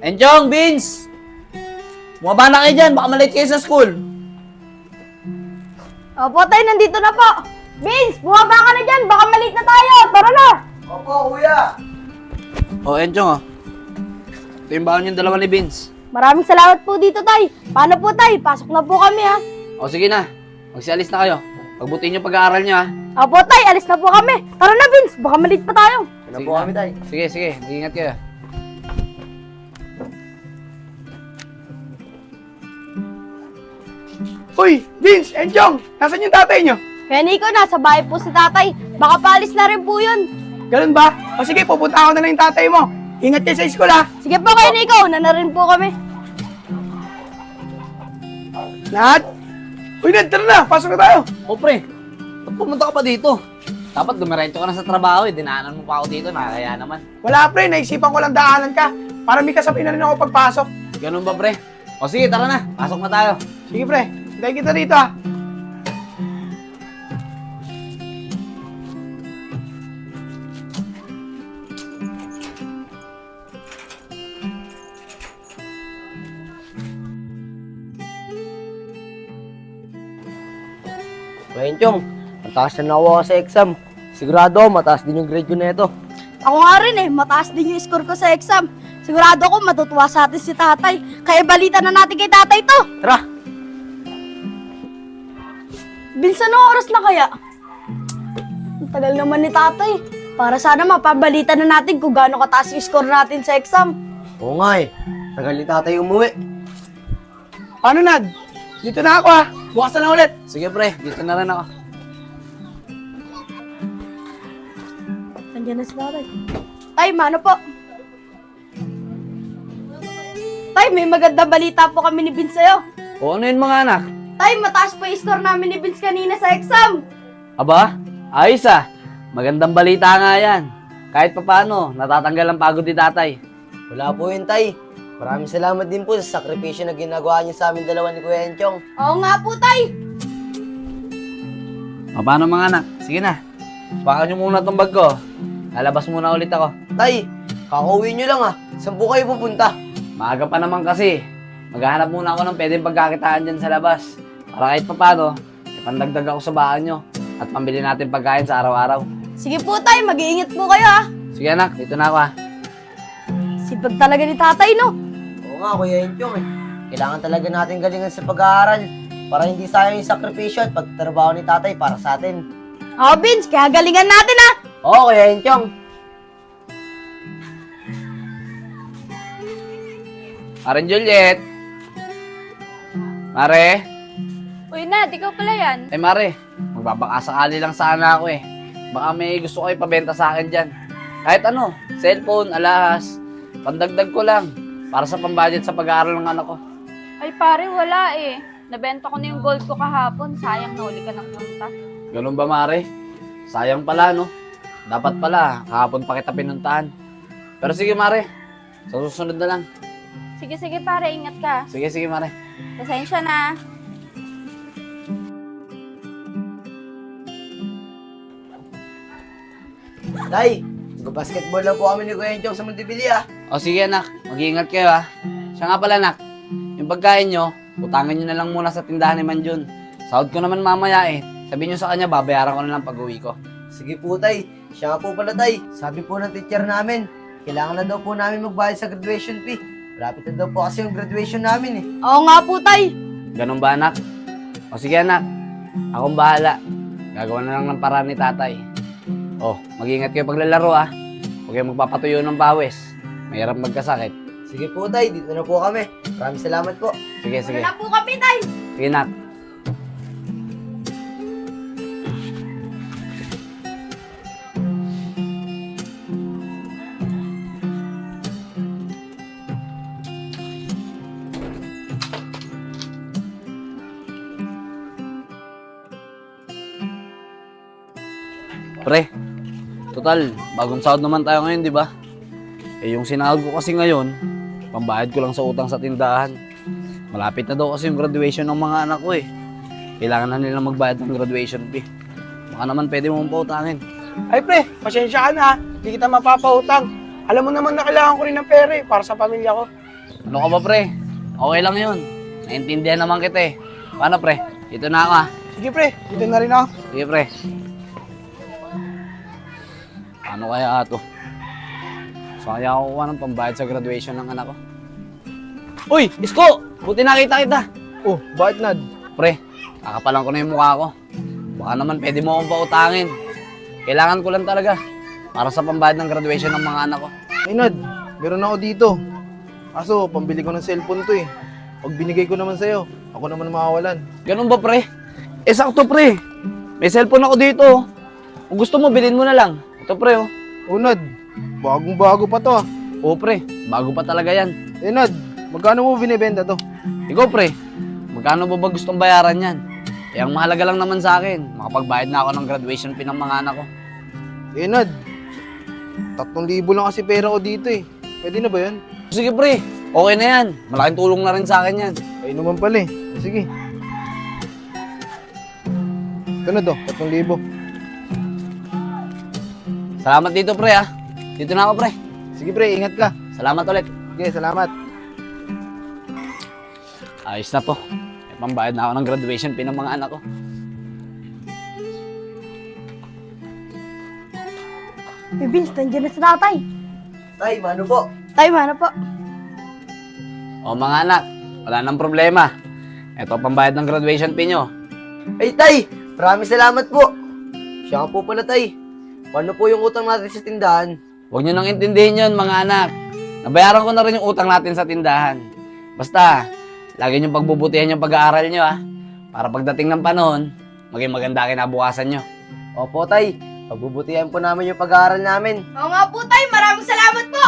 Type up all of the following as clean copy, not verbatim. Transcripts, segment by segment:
Enchong, Vince! Bumaba na kayo dyan, baka malate kayo sa school. Opo, tay, nandito na po. Vince, bumaba ka na dyan, baka malate na tayo. Tara na. Opo, kuya. Enchong, ito yung baon yung dalawa ni Vince. Maraming salamat po dito, tay. Paano po, tay? Pasok na po kami, ha? Sige na, magsialis na kayo. Pagbutin yung pag-aaral nyo, ha? Opo, tay, alis na po kami. Tara na, Vince, baka malate pa tayo. Ano po kami, tay? Sige, mag-ingat kayo. Uy, Vince, Enchong, nasan yung tatay nyo? Kaya Nico, nasa bahay po si tatay. Baka paalis na rin po yun. Ganun ba? O sige, pupunta ako na lang yung tatay mo. Ingat kayo sa school, ha? Sige po kayo, Nico. Una na rin po kami. Nat? Uy, Nat, tara na. Pasok na tayo. O pre, ba't pumunta ka pa dito? Dapat dumiretso ka na sa trabaho eh. Dinaanan mo pa ako dito, nakakaya naman. Wala, pre. Naisipan ko lang daanan ka. Para may kasabi na rin ako pagpasok. Ganun ba pre? O sige, tara na. Pasok na tayo. Sige, pre. Hintay kita dito, ha? Ngayon, Chong, mataas na nakuha ka sa exam. Sigurado, mataas din yung grade ko na ito. Ako nga rin eh, mataas din yung score ko sa exam. Sigurado ko matutuwa sa atin si tatay. Kaya balita na natin kay tatay to. Tara! Vince, anong oras na kaya? Ang tagal naman ni tatay. Para sana mapabalita na natin kung gaano kataas yung score natin sa exam. Oo nga eh. Tagal ni tatay umuwi. Paano, Nad? Dito na ako, ha? Bukas na lang ulit. Sige pre, dito na rin ako. Nandiyan na si tatay. Tay, mano po? Tay, may magandang balita po kami ni Vince sa'yo. O ano yun mga anak? Tay, mataas po yung score namin ni Vince kanina sa exam. Aba, ayos ah. Magandang balita nga yan. Kahit papano, natatanggal ang pagod ni tatay. Wala po yun, tay. Maraming salamat din po sa sakripisyo na ginagawa niyo sa amin dalawa ni Kuya Enchong. Oo nga po, tay. O paano mga anak? Sige na. Baka nyo muna tong bag ko. Lalabas muna ulit ako. Tay, kakauwi niyo lang ah. Saan po kayo pupunta? Maaga pa naman kasi. Maghahanap muna ako ng pwedeng pagkakitaan dyan sa labas. Para kahit papano, ipandagdag ako sa bahan nyo. At pambili natin pagkain sa araw-araw. Sige po, tay. Mag-iingat po kayo, ha. Sige anak, dito na ako ha. Sipag talaga ni tatay, no? Oo nga, Kuya Enchong eh. Kailangan talaga natin galingan sa pag-aaral para hindi sayang yung sakripisyo at pagtrabaho ni tatay para sa atin. Oo, Vince. Kaya galingan natin, ha. Oo, Kuya Enchong. Maren Juliet. Mare. Uy, Nad, ikaw pala yan. Mare, magbabakasakali lang sana ako eh. Baka may gusto ko ipabenta sa akin dyan. Kahit ano, cellphone, alahas, pandagdag ko lang para sa pambudget sa pag-aaral ng anak ko. Ay pare, wala eh. Nabenta ko na yung gold ko kahapon. Sayang na uli ka ng punta. Ganun ba, Mare? Sayang pala, no? Dapat pala, kahapon pa kita pinuntahan. Pero sige, Mare. Sa susunod na lang. Sige, pare, ingat ka. Sige, Mare. Pasensya na. Tay, mag-basketball lang po kami ni Kuya Enchong sa Montebello ah. O sige, anak. Mag-iingat kayo, ha? Siya nga pala, anak. Yung pagkain nyo, utangan nyo na lang muna sa tindahan ni Manjun. Sahod ko naman mamaya eh. Sabihin nyo sa kanya, babayaran ko na lang pag-uwi ko. Sige po, tay. Siya nga po pala, tay. Sabi po ng teacher namin, kailangan na daw po namin magbayad sa graduation fee. Malapit na daw po kasi yung graduation namin eh. Oo nga po, tay. Ganun ba, anak? O sige, anak. Akong bahala. Gagawa na lang ng paraan ni tatay. O, mag-iingat kayo paglalaro, ha? Huwag kayo magpapatuyo ng pawis. Mahirap magkasakit. Sige po, tay. Dito na po kami. Maraming salamat po. Sige. Wala na po kami, tay. Sige, anak. Pre, total, bagong sahod naman tayo ngayon, di ba? Eh, yung sinahod ko kasi ngayon, pambayad ko lang sa utang sa tindahan. Malapit na daw kasi yung graduation ng mga anak ko eh. Kailangan na nilang magbayad ng graduation fee. Baka naman pwede mong pautangin. Ay, pre, pasensya ka na, ha? Hindi kita mapapautang. Alam mo naman na kailangan ko rin ng pera, eh, para sa pamilya ko. Ano ka ba, pre? Okay lang yun. Naintindihan naman kita eh. Paano, pre? Dito na ako, ha? Sige pre, dito na rin ako. Sige, pre. Ano kaya ito? Saan kaya ako kuha ng pambayad sa graduation ng anak ko? Uy! Isko! Buti nakita kita! Oh, bakit Nad? Pre, kakapalan ko na yung mukha ko. Baka naman pwede mo akong pautangin. Kailangan ko lang talaga para sa pambayad ng graduation ng mga anak ko. Ay Nad, meron ako dito. Kaso, pambili ko ng cellphone to eh. Pag binigay ko naman sa'yo, ako naman mawawalan. Ganun ba, pre? Sakto, pre. May cellphone ako dito. Kung gusto mo, bilhin mo na lang. Ito, pre, oh. Oh Nad, bagong-bago pa to ah. Oo, pre. Bago pa talaga yan. Eh Nad, magkano mo binibenta to? Ikaw, pre. Magkano ba gustong bayaran yan? Eh, ang mahalaga lang naman sa akin, makapagbayad na ako ng graduation fee ng mga anak ko. Eh Nad, 3,000 lang kasi pera ko dito eh. Pwede na ba yan? Sige, pre. Okay na yan. Malaking tulong na rin sa akin yan. Ay naman pala eh. Sige. Ito na to, 3,000. Salamat dito, pre, ha. Dito na ako, pre. Sige pre, ingat ka. Salamat ulit. Sige, salamat. Ayos na to. May pambayad na ako ng graduation fee ng mga anak ko. Vince, nandiyan na si tatay. Tay, mano po? Tay, mana po? O mga anak, wala nang problema. Ito ang pambayad ng graduation fee nyo. Ay, Tay! Maraming salamat po. Siya nga po pala, Tay. Paano po yung utang natin sa tindahan? Huwag nyo nang intindihin yun, mga anak. Nabayaran ko na rin yung utang natin sa tindahan. Basta, lagi nyo pagbubutihan yung pag-aaral nyo, ha. Para pagdating ng panahon, maging maganda kinabukasan nyo. Opo, Tay. Pagbubutihan po namin yung pag-aaral namin. Oo nga po, tay. Maraming salamat po.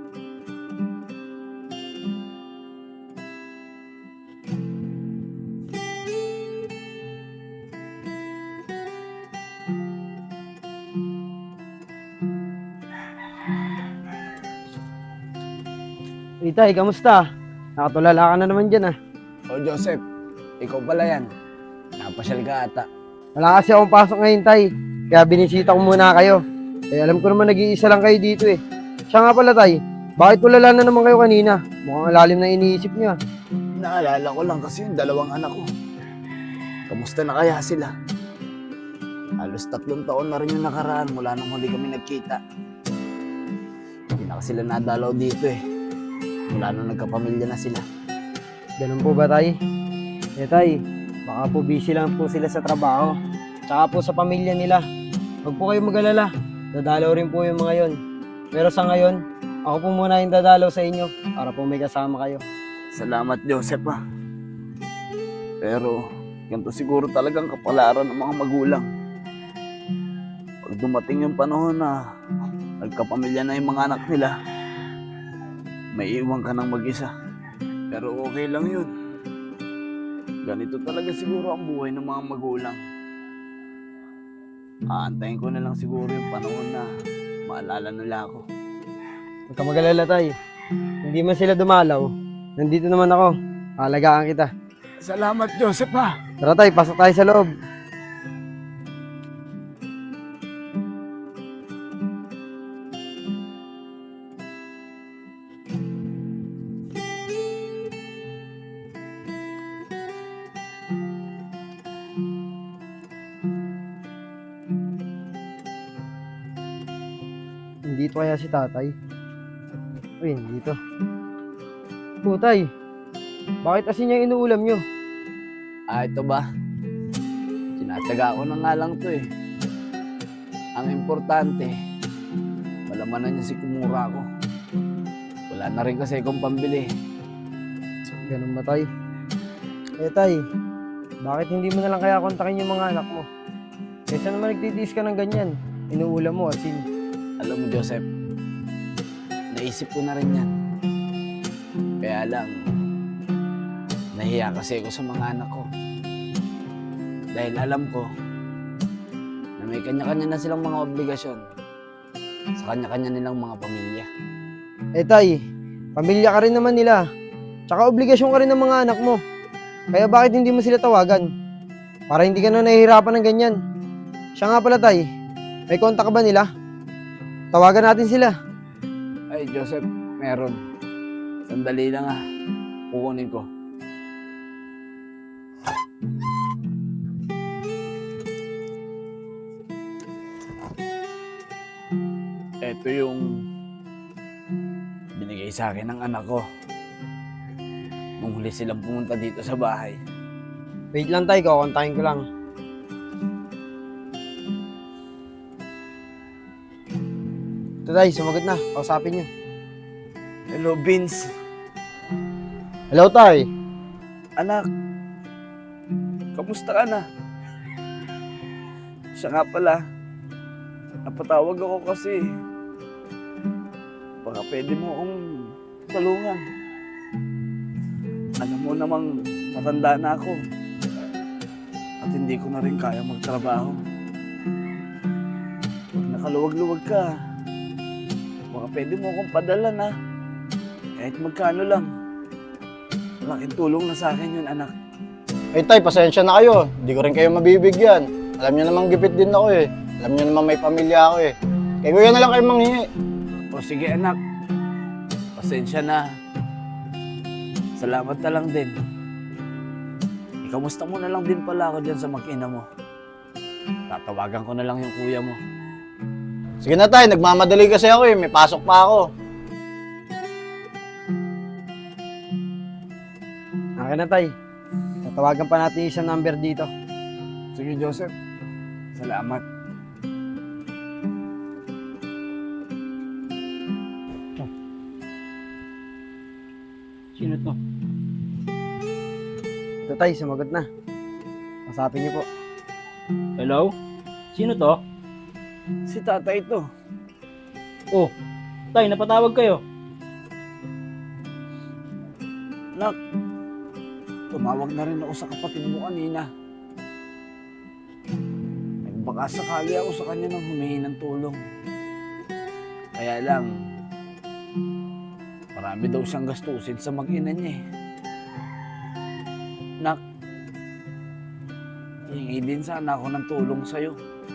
Itay, kamusta? Nakatulala ka na naman dyan ah. O Joseph, ikaw pala yan. Napasyal ka ata. Wala kasi akong pasok ngayon, Tay. Kaya binisita ko muna kayo. Eh, alam ko naman nag-iisa lang kayo dito eh. Siya nga pala, Tay. Bakit tulala na naman kayo kanina? Mukhang lalim na iniisip niya. Naalala ko lang kasi yung dalawang anak ko. Kamusta na kaya sila? Halos 3 taon na rin yung nakaraan mula nung huli kami nagkita. Hindi na kasi sila nadalaw dito eh. Mula nung nagkapamilya na sila. Ganun po ba, Tay? Eh, Tay, baka po busy lang po sila sa trabaho. Tsaka po sa pamilya nila. Huwag po kayo mag-alala. Dadalaw rin po yung mga yon. Pero sa ngayon, ako po muna yung dadalaw sa inyo para po may kasama kayo. Salamat Joseph ah. Pero ganito siguro talagang kapalaran ng mga magulang. Pag dumating yung panahon na nagkapamilya na yung mga anak nila, may iwan ka ng mag-isa. Pero okay lang yun. Ganito talaga siguro ang buhay ng mga magulang. Aantayin ko na lang siguro yung panahon na maalala nila ako. Huwag ka mag-alala, Tay. Hindi man sila dumalaw. Nandito naman ako. Alagaan kita. Salamat Joseph ha. Tara, Tay, pasok tayo sa loob. Dito kaya si tatay? Uy, dito. Tay, bakit asin niya inuulam nyo? Ito ba? Tinataga ko na nga lang to eh. Ang importante, malamanan niya si Kumura ko. Wala na rin kasi akong pambili. Ganun ba, Tay? Eh, Tay, bakit hindi mo na lang kaya kontakin yung mga anak mo? Kaysa naman nagtitiis ka ng ganyan, inuulam mo asin. Alam mo Joseph, naisip ko na rin yan. Kaya lang, nahiya kasi ako sa mga anak ko. Dahil alam ko na may kanya-kanya na silang mga obligasyon sa kanya-kanya nilang mga pamilya. Eh, Tay, pamilya ka rin naman nila. Tsaka obligasyon ka rin ng mga anak mo. Kaya bakit hindi mo sila tawagan? Para hindi ka na nahihirapan ng ganyan. Siya nga pala, Tay, may kontak ka ba nila? Tawagan natin sila. Ay Joseph, meron. Sandali lang ah. Kukunin ko. Ito yung binigay sa akin ng anak ko. Nung huli silang pumunta dito sa bahay. Wait lang tay, kukontakin ko lang. Ito tay, sumagot na. Kausapin niyo. Hello, Vince. Hello tay. Anak, kamusta ka na? Siya nga pala, napatawag ako kasi baka pwede mo akong tulungan. Alam mo namang matanda na ako at hindi ko na rin kaya magtrabaho. Pag nakaluwag-luwag ka, baka pwede mo akong padalan ha. Kahit magkano lang. Malaking tulong na sa akin yun, anak. Ay tay, pasensya na kayo. Hindi ko rin kayo mabibigyan. Alam niyo namang gipit din ako eh. Alam niyo namang may pamilya ako eh. Kaya kuya na lang kayo manghingi. O sige anak, pasensya na. Salamat na lang din. Ikamusta mo na lang din pala ako dyan sa mag-ina mo. Tatawagan ko na lang yung kuya mo. Sige na tay, nagmamadali kasi ako eh. May pasok pa ako. Akin na tay. Tatawagan pa natin yung isang number dito. Sige Joseph, salamat. Sino to? Ito tay, sumagot na. Kausapin niyo po. Hello? Sino to? Si tatay ito. Oh, tay, napatawag kayo. Nak, tumawag na rin ako sa kapatid mo kanina. Baka sakali ako sa kanya nang humingi ng tulong. Kaya lang, marami daw siyang gastusin sa mag-ina niya eh. Nak, hihingi din sana ako ng tulong sa'yo.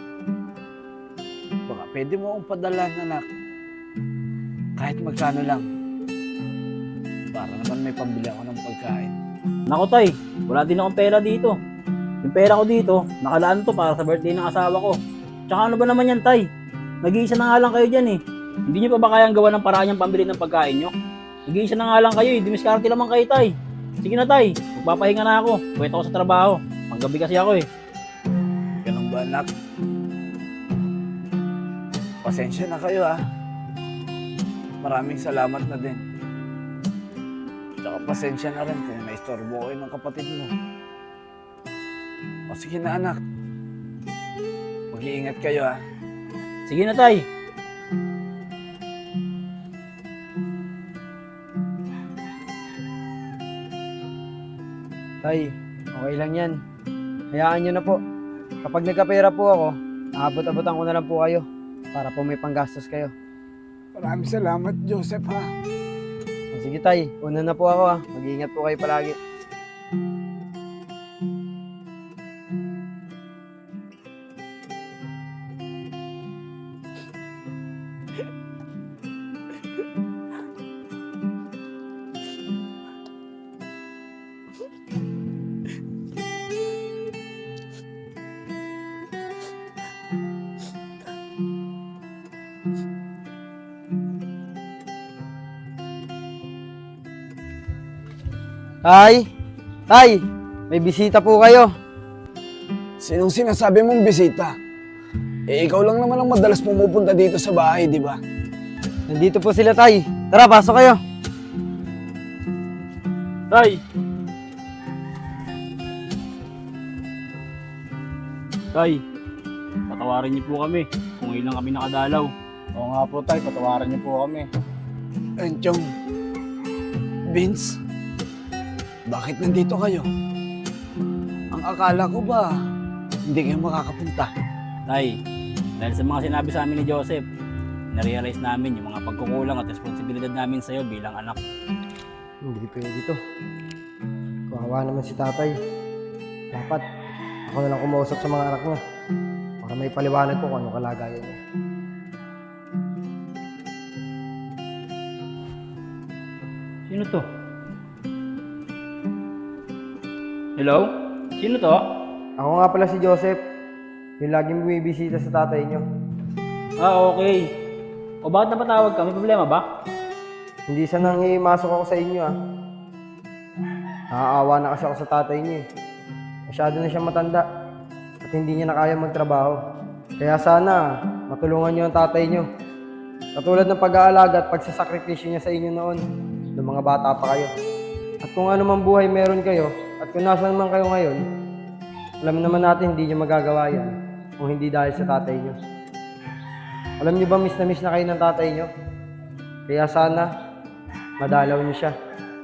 Baka pwede mo akong padalan, anak. Kahit magkano lang. Para naman may pambili ako ng pagkain. Nako tay, wala din akong pera dito. Yung pera ko dito, nakalaan to para sa birthday ng asawa ko. Tsaka ano ba naman yan tay? Nag-iisa na nga lang kayo dyan eh. Hindi nyo pa ba kayang gawa ng paraan yung pambili ng pagkain nyo? Nag-iisa na nga lang kayo eh, dimiskarte naman kayo tay. Sige na tay, magpapahinga na ako. Puwet ako sa trabaho. Panggabi kasi ako eh. Ganun ba, anak? Pasensya na kayo, ha? Maraming salamat na din. Tsaka pasensya na rin kung naistorbo kayo ng kapatid mo. O sige na, anak. Mag-iingat kayo, ha? Sige na tay. Tay, okay lang yan. Hayaan nyo na po. Kapag nagkapera po ako, aabot-abotan ko na lang po kayo para po may panggastos kayo. Maraming salamat, Joseph, ha? O, sige tay, una na po ako ha. Mag-iingat po kayo palagi. Tay! Tay! May bisita po kayo. Sinong sinasabi mong bisita? Eh, ikaw lang naman ang madalas pumupunta dito sa bahay, di ba? Nandito po sila tay. Tara, pasok kayo. Tay! Tay, patawarin niyo po kami kung ilang kami nakadalaw. Oo nga po tay, patawaran niyo po kami. Enchong, Vince, bakit nandito kayo? Ang akala ko ba, hindi kayo makakapunta. Tay, dahil sa mga sinabi sa amin ni Joseph, na-realize namin yung mga pagkukulang at responsibilidad namin sa'yo bilang anak. Hindi pwede to. Kawawa naman si tatay. Dapat ako na lang kumausap sa mga anak niya para may paliwanag ko kung anong kalagayan niya. Sino Sino to? Hello? Sino to? Ako nga pala si Joseph, yung laging bumibisita sa tatay nyo. Ah, okay. O bakit napatawag ka? May problema ba? Hindi sanang imasok ako sa inyo ah. Nakaawa na kasi ako sa tatay niyo eh. Masyado na siyang matanda at hindi niya na kaya magtrabaho. Kaya sana matulungan niyo ang tatay niyo. Katulad ng pag-aalaga at pagsasakripisyo niya sa inyo noon, nung mga bata pa kayo. At kung ano man buhay meron kayo, at kung nasaan man kayo ngayon, alam naman natin hindi niyo magagawa yan kung hindi dahil sa tatay niyo. Alam niyo ba miss na kayo ng tatay niyo? Kaya sana madalaw niyo siya.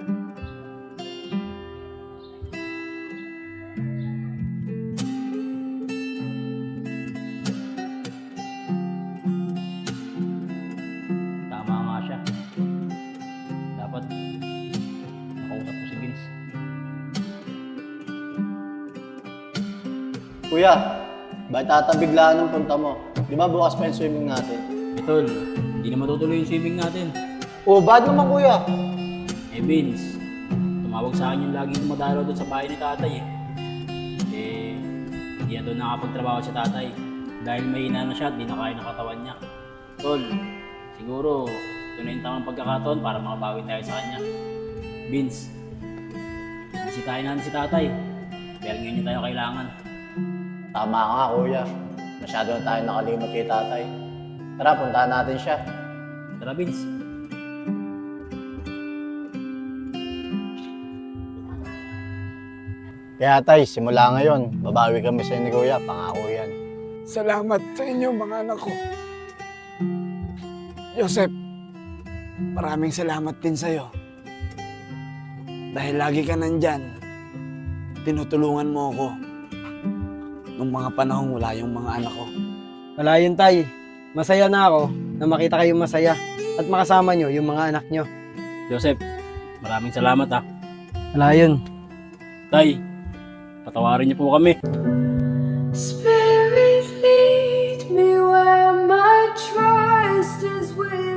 Tama nga siya. Dapat nakausap ko si Vince. Kuya, bakit tatabiglaan ng punta mo? Di ba bukas pa yung swimming natin? Tol, hindi na matutuloy yung swimming natin. Oh, bakit naman kuya? Eh Vince, tumawag sa akin yung laging dumadalaw doon sa bahay ni tatay eh. Eh, hindi na doon nakapagtrabaho si tatay. Dahil mahina na siya at di na kaya ng katawan niya. Tol, siguro ito na yung tamang pagkakataon para makabawi tayo sa kanya. Vince, bisitahin natin si tatay. Dahil ngayon niya tayo kailangan. Tama ka kuya. Masyado na tayo nakalimot kay tatay. Tara, puntahan natin siya. Tara Vince. Kaya tay, simula ngayon, babawi kami sa ni kuya. Pangako yan. Salamat sa inyo mga anak ko. Joseph, maraming salamat din sa'yo. Dahil lagi ka nandyan, tinutulungan mo ako nung mga panahong wala yung mga anak ko. Wala yun, tay. Masaya na ako na makita kayong masaya at makasama nyo yung mga anak nyo. Joseph, maraming salamat ha. Wala yun. Tay, patawarin niyo po kami. Spirit, lead me where my trust is with